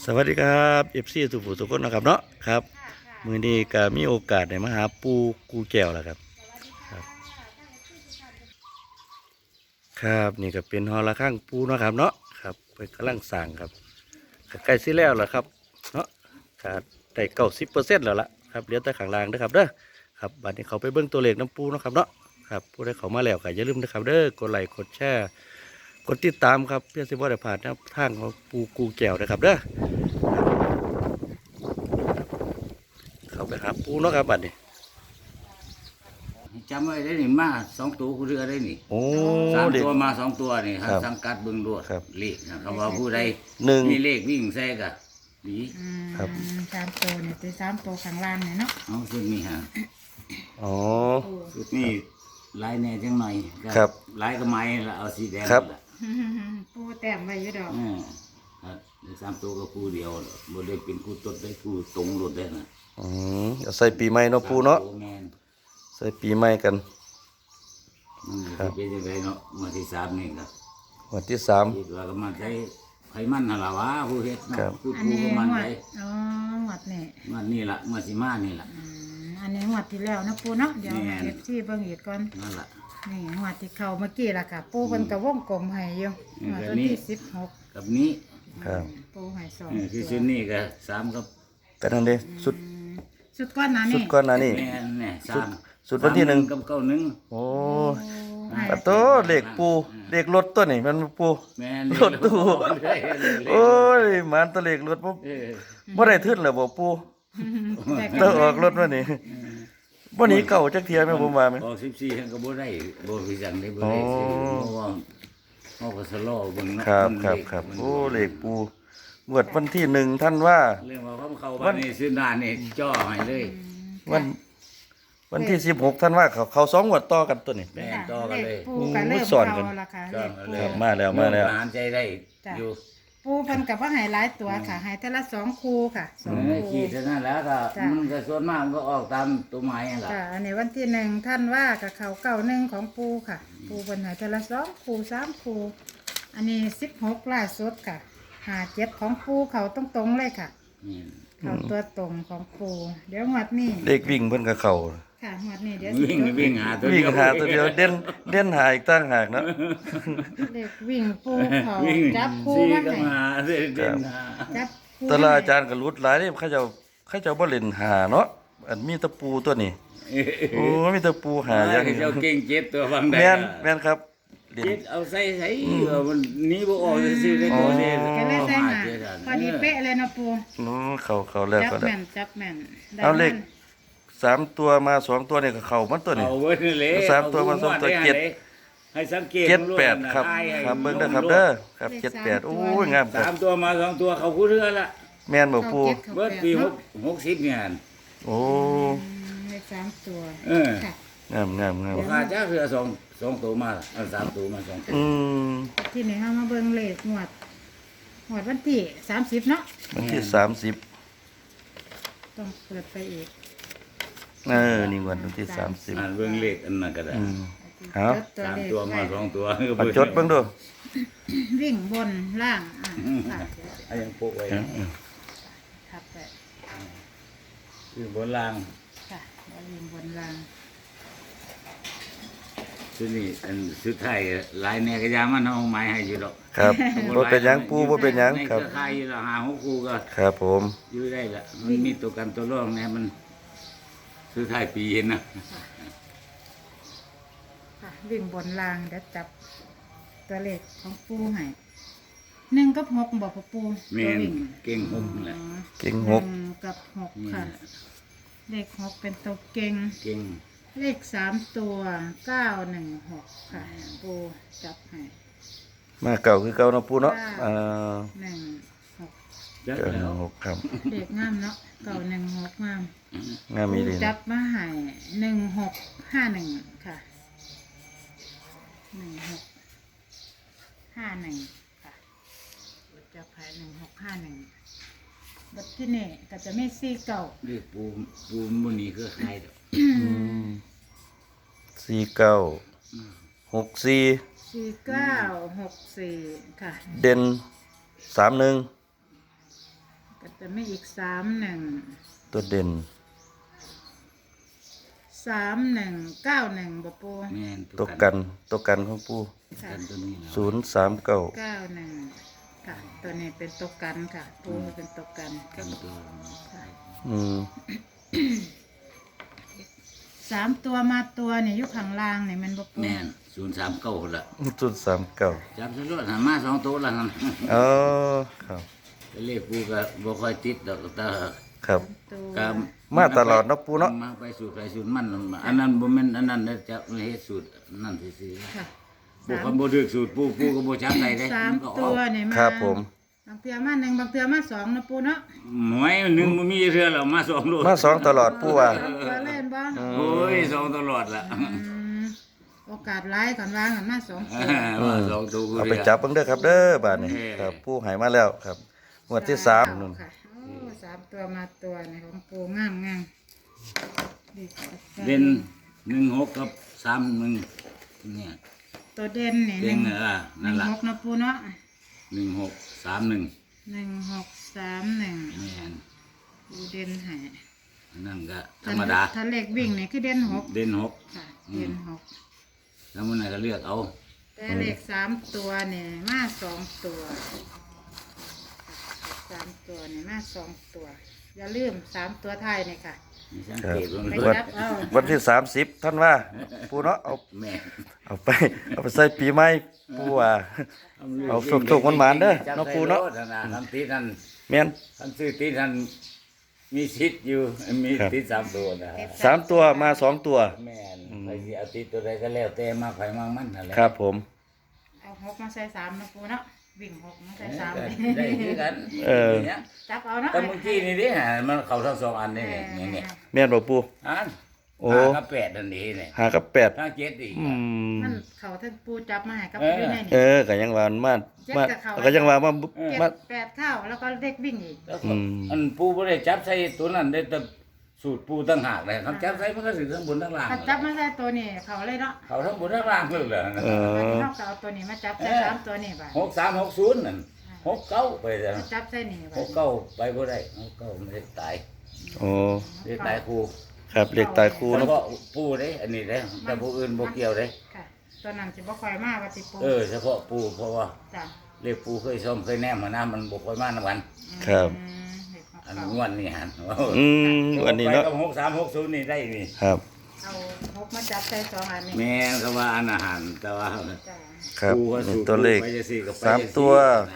สวัสดีครับเอฟซีสุภูสุคนนะครับเนาะครับมื้อนี้ก็มีโอกาสได้มาหาปูกูแก้วแล้วครับครับครับนี่ก็เป็นหอระฆังปูเนาะครับเนาะครับเพิ่นกำลังสร้างครับก็ใกล้สิแล้วล่ะครับเนาะก็ได้90%แล้วล่ะครับเหลือแต่ข้างล่างเด้อครับเด้อครับบัดนี้เขาไปเบิ่งตัวเลขน้ำปูเนาะครับเนาะครับผู้ใดเข้ามาแล้วก็อย่าลืมนะครับเด้อกดไลค์กดแชร์กดติดตามครับเพื่อสิบ่ได้พลาดแนวทางของปูกูแก้วนะครับเด้อ เข้าไปหาปูเนาะครับบัดนี้จำไว้ได้นี่มา2 ตัวกูเรือได้นี่โอ้ 3 เด็กตัวมา2 ตัวนี่ครับครับสังกัดเบิ่งด้วยครับเลขนะครับว่าผู้ใดหนึ่งมีเลขวิ่งใส่กะดีครับสามตัวเนี่ยตัวสามตัวข้างล่างเนี่ยเนาะเอาสุดนี้ฮะอ๋อสุดนี้ลายแหน่จังหน่อยก็ครับลายก็ไม้ละเอาสีแดงครับละปูแต้มไว้อยู่ดอกครับเลข3 ตัวก็คู่เดียวบ่ได้เป็นคู่ตดได้คู่ตรงรถได้นะเอาใส่ปีใหม่เนาะปูเนาะโอ้แม่นใส่ปีใหม่กันมันครับเป็นจังไดเนาะมาที่3นี่ก็วันที่คิดว่าก็มันใช้ไผมันนั่นล่ะวะผู้เฮ็ดเนาะครับผู้อันผู้นี้ก็มันหวไปดอ๋อหวดเนี่ยมันนี่ล่ะมาสิมานี่ล่ะอันนี้หวดที่แล้วนะปูเนาะเดี๋ยวแม่นเอฟซีเบิ่งอีกก่อนนั่นล่ะนี่หวดที่เข้าเมื่อกี้ล่ะค่ะ ปูเป็นกระวงกลมให้อยู่อืมหวดแบบตัวนี้ที่16 กับนี้ครับปูให้สองคือตัชุวดนี้ก็3กับแต่นั่นเด้สุดสุดก้อนนะสุนี่ดก่อนหน้านี่แม่นเนี่ยสุด 3 สุดวันที่หนึ่งกับ91 โอ้ให้ปะโตเลขปูเลขรถตัวนี่มันปูแม่นรถตู้ โอ้ยมันตัวเลขรถบ่เออบ่ได้ทึนแล้วบ่ปูแต่ต้องออกรถมานี่บ่หนีเก่าจักเที่ยแม่ผมว่าแม่ออก14ทั้งก็บ่ได้บ่พิจังได้บ่ได้ซื้อเพราะว่าเฮาก็สโลว์เบิ่งเนาะครับมันครับเลขครับมันโอ้เลขปูงวดวันที่1ท่านว่าเรื่องว่าเขาบ้านนี่ซื้อหน้านี่จ่อให้เลยวันที่16ท่านว่าเขา2งวดต่อกันตัวนี้แม่นต่อกันเลยปูก็เริ่มสอนกันเข้าละค่ะเลขปูครับมาแล้วมาแล้วหารใจได้จ้ะอยู่ปูเพิ่นกับว่าให้หลายตัวค่ะให้แต่ละ2คู่ค่ะ2คู่ขี่เท่านั้นแล้วก็จ้ะมันก็ส่วนมากมันก็ออกตามตัวไม้นั่นแหละค่ะอันนี้วันที่1ท่านว่ากับเขา91ของปูค่ะ ปูเพิ่นให้แต่ละ2คู่3คู่อันนี้16ล่าสุดค่ะ57ของปูเขาตรงๆเลยค่ะนี่เขาตัวตรงของปูเดี๋ยวงวดนี้เลขวิ่งเพิ่นก็เข้าค่ะงวดนี้เดี๋ยววิ่งวิ่งหาตัววิ่เดีงยวหาตัวเดียวเด่นหาอีกตั้งหากเนาะเลขวิ่งปูเขาวิ่งจับคู่สี่มาก็ให้มาเด่นหาจับคู่แตลาอาจารย์ก็รุดหลายเด้เขาเจ้าบ่เล่นหาเนาะอันมีแตะปูตัวนี้โอ้มีแตะปูหาอย่างเจ้าเก่งเจ็ดตัวฟังได้แม่นครับเล่นเจ็ดเอาใส่มันนี้บ่ออกซื่อๆได้ตัวเดียวก็เลยใส่หาเจ็ดพอดีเป๊ะเลยนะปูโอ้เข้าแล้วจับก็ได้แม่นจับแม่นได้เอาเลขมัน 3ตัวมา2ตัวนี่ก็เข้ามันตัวนี้เอาเว้ยเลยสามตัวมาสองตัวเจ็ดให้สังเกต 78ครับครับเบิ่งเด้อครับเด้อครับ78โอ้ยงามครัสาบมตัวมา2 ตัวเขาคู่เรือละแม่นบ่ปูเขาเก็บเขาเบิดแปดปีเนาะ 60เนี่ยโอ้เลข3ตัวเออค่ะงามงามงามราคาจ้าเรือสองตัวมาเอา3 ตัวมา2 ตัวอืมที่นี่เฮามาเบิ่งเลขงวดวันที่30เนาะวันที่30 ต้องเปิดไปอีกนี่วันที่อ่านเบิ่งเลขอันนั้นก็ได้ 30เอาจดตัวสามเลขตัวมาไว้ 2 ตัวเอาจดเบิ่งดูวิ่งบนล่างค่ะเอายังโปะไว้ทับไปคือบนล่างค่ะแล้ววิ่งบนล่างชุดนี้อันสุดท้ายหลายแน่ก็ยามันเอาไม้ให้อยู่ดอกครับบ่เป็นหยังปูบ่เป็นหยังในครับเครือข่ายอยู่ละ5-6คู่ก็ครับผมอยู่ได้ละมันมีตัวกันตัวรองแน่มันสุดท้ายปีเห็นนะค่ะวิ่งบนล่างเดี๋ยวจับตัวเลขของปูให้1กับ6บอกพ่อปูแม่ตัวน วิ่งเก่งหกนั่นแหละเก่งหหกนึ่งกับ6ค่ะเลข6เป็นตัวเก่งเก่งเลข3ตัว916ค่ะปูจับให้มาเก่าคือเก่าเนาะปูเนาะ 16 จัดเก่าแล้วหกครับเด็กงามเนาะ916งามงามมีดีจันะบมาให้1651ค่ะ1651ค่ะจับให้1651บัดที่นี่ก็จะมี4เก่าเรียกปูมุนีเครือข่ายดอก 4964 4964ค่ะเด่น31 แต่ไม่อีก31 ตัวเด่น 9191บ่ปูแม่นตัวกันของปูค่ะกันตัวนี้นะ 039 91ค่ะ ตัวนี้เป็นตัวกันค่ะปูเป็นตัวกันกันตัวค่ะอืม 3 ตัวมาตัวนี่อยู่ข้างล่างนี่มันบ่ปูแม่น039ละ 039 จับซะด้วยหันมา2ตัวละหั่นอ๋อครับไปเลขปูก็บ่ค่อยติดดอกแต่ครับตัวก็มาตลอดเนาะปูเนาะมาไปสูตรไปสูตรมันอันนั้นบ่แม่นอันนั้นได้จะเฮ็ดสูตรนั่นซื่อค่ะๆบ่คันบ่ถูกสูตรปูก็บ่จับได้เด้สามมันก็อตัอวกนี่มาครับผมบางเทื่อมา1บางเทื่อมา2นะปูเนาะหวยหนึงบ่มีเทื่อแล้วมา2โลมา2ตลอดปูว่าก็เล่นบ่โอ้ย2ตลอดละมโอกาสหลายก่อนวางกันมา2ตัวมา2ตัวเอาไปจับเบิ่งเด้อครับเด้อบาดนี้ครับปูให้มาแล้วครับงวดที่3นู่นค่ะโอ้3ตัวมาตัวนี่ของปูงามงามดีจัดเด่น16กับ31เนี่ยตัวเด่นนี่เด่นนั่นล่ะ 16นะปูเนาะ 1631 1631 แม่นปูเด่นให้อันนั่นก็ธรรมดาถ้าเลขวิ่งนี่คือเด่น6 เด่นค่ะเด่น6 6แล้วมื้อไหนก็เลือกเอาแต่เลข3ตัวนี่มา2ตัว3ตัวนี่มา2ตัว อย่าลืม3ตัวท้ายนี่ค่ะมีสังเกตไปว่าจับเอาวันที่30ท่านว่าปูเนาะเอาแม่เอาไปใส่ปีใหม่ปูว่า เอาสุกๆหวานๆเด้อเนาะปู่เนาะทำตีนั่นแม่นทำซื้อตีนั่นมีสิทธิ์อยู่มีครับติด3ตัวนะ 3ตัวมา2ตัวแม่นใครสิเอาติดตัวใดก็แล้วแต่มากไผมากมันนั่นแหละครับผมเอา6มาใส่3นะปูเนาะวิ่ง6มาใส่3 ได้คือกันเออนี่ยจับเอาเนาะแต่เมื่อกี้นี่ดิมันเข้าทั้งสองอันนี่เนี่ยแม่นบ่ปูอันโอ้ 5กับ8นั่นนี่เนี่ย 5กับ8 ถ้า7อีกอืมมันเขาทั้งปูจับมาให้กับเอออยู่ในเอนี่อก็ยังว่ามันมาก็ยังว่ามาเจ็ดมา 8เข้าแล้วก็เด็กวิ่งอีกแล้วก็อืมอันปูบ่ได้จับใส่ตัวนั้นได้แต่สูตรปูตั้งหากเลยครับจับใส่มันก็สิทั้งบนทั้งล่างถ้าจับมาใส่ตัวนี้เขาเลยเนาะเขาทั้งบนทั้งล่างเลยเหรอเออนอกจากเอาตัวนี้มาจับใส่3ตัวนี้บ่ 6360นั่น69ไปแล้วจับใส่นี่บ่ 69ไปบ่ได้69ไม่ได้ตายโอ้ได้ตายครูครับเลขตายคู่แล้วเนาะก็ปูเด้อันนี้เด้แต่ผู้อื่นบ่เกี่ยวเด้ค่ะตัวนั้นสิบ่ค่อยมาว่าสิปูเฉพาะปูเพราะว่าจ้ะเรียกปูเคยซ่อมเคยแนมมาน้ำมันบ่ค่อยมานำกันครับเด็กอันเขางวดนี่หันอืมอันนี้เนาะไปกับ6360นี่ได้นี่ครับเอา6มาจับใส่2อันนี้แม่นก็ว่าอันอาหารแต่ว่าจ้ะครับปูว่านี่สูตรตัวเลขไปจังซี่ก็ไปสามจังซี่ตัวนะ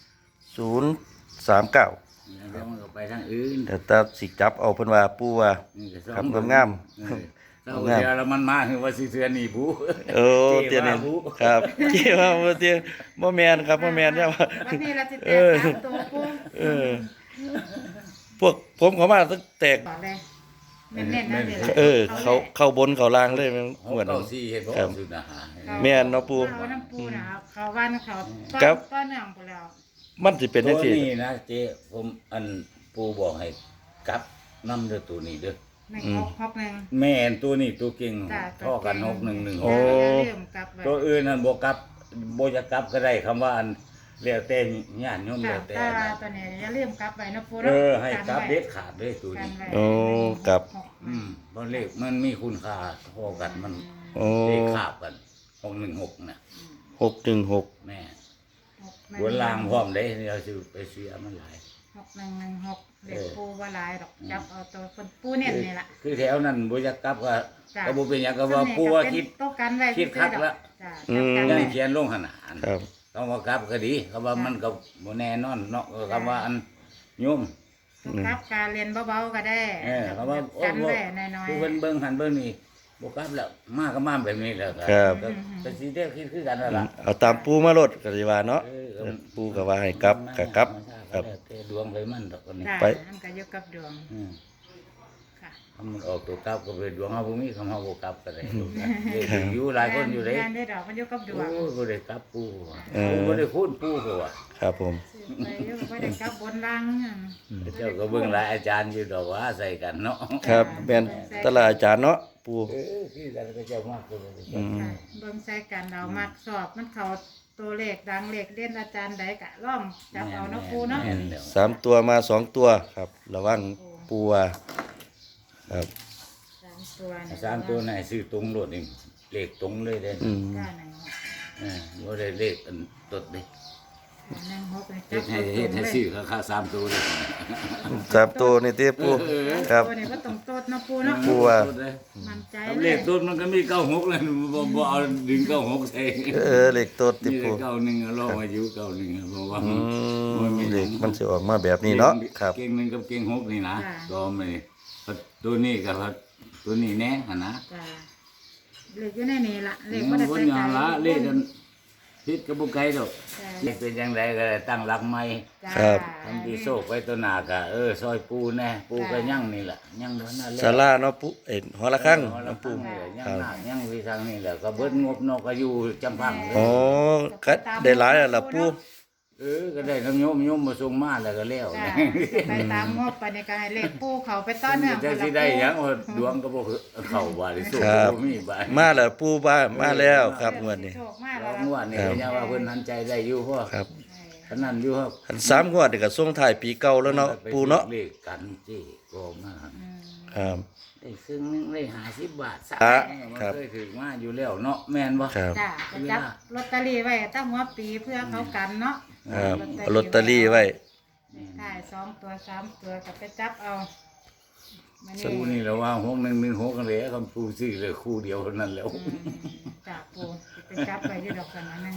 039 แล้วมันก็ไปทางอื่นแต่ตาสิจับเอาเพิ่นว่าปูว่านี่ก็ซ่อครับงามเจ้าเดียวแล้วมันมาคือว่าสิเทือนนี่ปูโอ้เตียนี่ครับเกี่ยวว่าบ่เตียบ่แม่นครับบ่แม่นใช่ป่ะวันนี้เราสิแตเอก อ 3ตัวปูเออ พวกผมเขามาตั้งแตกก่อนเลยเน้นๆนั่นเลยเออ เข้าบนเข้าล่างเลยมันหเหมือนเก้าสี่เห็นบ่ครับสุดอาหารแม่นเนาะปูเขาน้ำปูนะเขาวันเขาครับต้นเนื่องไปแล้วมันสิเป็นจังตัวซี่นี้นะเจ๊ผมอันปูบอกให้กลับน้ำเด้อตัวนี้เด้อ 1 6 6 1 แม่นตัวนี้ตัวเก่งจ้ะท่อกันตัว 6 เก่ง 1 1 โอ้อย่าลืมกลับไว้ตัวอื่นนั่นบ่กลับบ่จะกลับก็ได้คำว่าอันแล้วแต่ญาติโยมค่ะแล้วแต่แต่นะตัวนี้อย่าลืมกลับไว้นะปูเอนะอให้กลับเด็ดขาดเลยตัวกันนี้ไว้โอ้กลับเพราะเลขมันมีคุณค่าพอกันมันโอ้เลขขาบกัน616น่ะ 616 แม่ 6 บนล่างพร้อมเด้เราสิไปเสียมันหลาย 6116เด็กปูว่าหลายดอกจับเอาตัวคนปูเน้นนี่ล่ะคือแถวนั้นบ่จะกลับก็จ้ะก็บ่เป็นหยังก็ว่าผู้ว่าคิดโต๊ะกันไว้คิดคักละจ้ะอืมจับยักันงไว้เขียนลงขนาดครับต้องว่ากลับก็ดีคำว่ามันก็บ่แน่นอนเนาะคำว่าอันโยมครับการเรียนเบาๆก็ได้คำว่าโอ้กันบ่ไว้น้อยคือเพิ่นเบิ่งหันเบิ่งนี่บ่กลับแล้วมาก็มาแบบนี้แล้วก็ครับก็ก็สิได้คิดคือกันนั่นล่ะเอาตามปูมาโลดก็สิว่าเนาะเออปูก็ว่าให้กลับก็กลับครับแต่ดวงไปมันดอกอันนี้ๆจ้ะไปมันก็อยู่กับดวงอืมค่ะถ้ามันออกตัวกลับก็เป็นดวงเฮาบ่มีคำเฮาบ่กลับก็ได้ลูกนะเด็กอยู่หลายคนอยู่เด้งานได้ดอกมันอยู่กับดวงโอ้ยบ่ได้กลับปู่เออบ่ได้คูณปู่เขาว่าครับผมไปอยู่บ่ได้กับบนล่างอะเจ้าก็เบิ่งหลายอาจารย์อยู่ดอกว่าใส่กันเนาะครับแม่นแตลาดอาจารย์เนาะปูคือกันก็เจ้ามากเลยอืมค่ะเบิ่งใส่กันเรามักสอบมันเขาตัวเลขดังเลขเด่นอาจารย์ใดกะล่องจับเอาเนาะปูเนาะแม่แล้ว 3 ตัวมา2 ตัวครับระวังปูว่าครับ 3 ตัวนี่สามตัวไหนซื้อตรงโลดนี่เลขตรงเลยเด้อืมบ่ได้เลขอันตดเด้ 1 6นี่เฮ็ดให้เฮ็ดให้ซื้อค่าสามตัวเลย 3 ตัวนี่ติปูครับตัวนี้ก็ต้องโตดเนาะปูเนาะปูว่ามั่นใจครับเลเลย ขต้นมันก็มี96เลยบ่เอาดึง96ใส่เลขตดติมีปูแต่91ลองอายุ91เพราะว่าเลขมันสิออกมาแบบนี้เนาะครับเก่งหนึงกับเก่ง6นี่นะก็ไม่ตัวนี้กับตัวนี้แน่หั่นนะจ้ะเลขอยู่ในนี่ล่ะเลขบ่ได้บ่ไปได้ไกลละเลขกันพิษกับบ่ไกลดอกจ้ะเลขเป็นจังไดก็ได้ตั้งหลักใหม่จ้ะครับทำดีโชคไว้ตัวหน้าก็ซอยปูแน่ปูก็ยังนี่ล่ะยังเท่านั้นแหละศาลาเนาะปูหอละครั้งหอละน้ำปูครั้งนี่แหละยังหน้ายังวิทางนี่แหละก็เบิดงบนอกก็อยู่จำพังเลยอ๋อก็ได้หลายแล้วล่ะปูก็ได้น้ำโยมมาส่งมาแล้วก็แล้วจ้ะไปตามงบไปในการให้เลขปูเขาไปต้อนเนื่องจะสิได้หยังว่าดวงก็บ่เข้าบ่ได้สู้ครับบ่มีบ่ายมาแล้วปูบ้ามาแล้วครับงวดนี้โชคมากรแล้อวงว่านี่ก็ยังว่าเพิ่นหันใจได้อยู่เพราะครับขนาดอยู่ครับอัน3งวดนี่ก็ส่งท้ายปีเก่าแล้วเนาะปูเนาะเลขกันจี้ก็มาครับได้ซึ่งหนึงได้50 บาทซะอ่ะมันครับเคยถึงมาอยู่แล้วเนาะแม่นบ่ครับจ้ะไปจับลอตเตอรี่ไว้ตั้งหัวปีเพื่อเขากันเนาะครับเอาลอตเตอรี่ไว้ได้2 ตัว 3 ตัวก็ไปจับเอามาสู้นี่แหล้วว่า6116กันเลยคำปูซื้อเลยคู่เดียวเท่านั้นแล้วจากปูไปจับไปที่ดอกกันนะ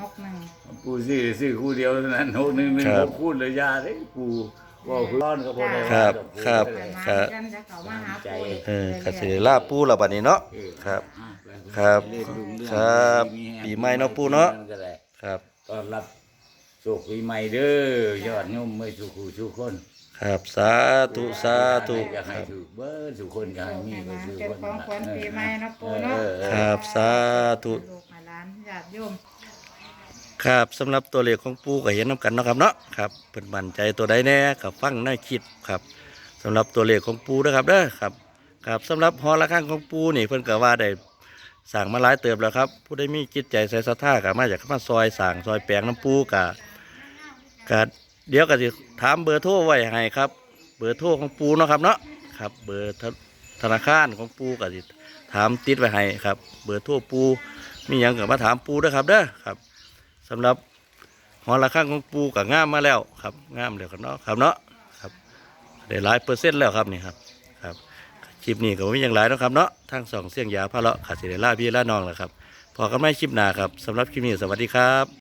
1 ปูซื้อคู่เดียวเท่านั้น6116คู่เลยยาเด้ปูว่าคือร้อนก็บ่ได้ครับว่าครับ 6 1 ครับกันจะเขามาหาปูก็สิได้ลาปูแล้วบัดนี้เนาะ ครับ ครับ ครับปีใหม่เนาะปู่เนาะ ครับต้อนรับโชคปีใหม่เด้อยอดโยมไม่สุขสุขคนครับสาธุสาธุอยากคให้รับถูกเบิดสุขคนอยากให้มีก็สุขเป็นคนของขวัญปีใหม่เนาะปูเนาะครับสาธุลูกหลานญาติโยมครับสำหรับตัวเลขของปูก็เห็นน้ำกันเนาะครับเนาะครับเพิ่นมั่นใจตัวใดแน่กับฟังในคลิปครับสำหรับตัวเลขของปูนะครับเด้อครับครับสำหรับหอระฆังของปูนี่เพิ่นก็ว่าได้สั่งมาหลายเติบแล้วครับผู้ใดมีจิตใจใส่ศรัทธาก็มาจากมาซอยสั่งซอยแปลงน้ำปูก็เดี๋ยวก็สิถามเบอร์โทรไว้ให้ครับเบอร์โทรของปูเนาะครับเนาะครับเบอร์ธนาคารของปูก็สิถามติดไว้ให้ครับเบอร์โทรปูมีหยังก็มาถามปูเด้อครับเด้อครับสำหรับหอระฆังของปูก็งามมาแล้วครับงามแล้วครับเนาะครับเนาะครับได้หลายเปอร์เซ็นต์แล้วครับนี่ครับครับคลิปนี้ก็ไม่ยังหลายเนาะครับเนาะทั้งสองเสียงยาพะเลาะขาดสิเดล่าพี่ล่าน้องแหละครับพอกันไม่คลิปหน้าครับสำหรับคลิปนี้สวัสดีครับ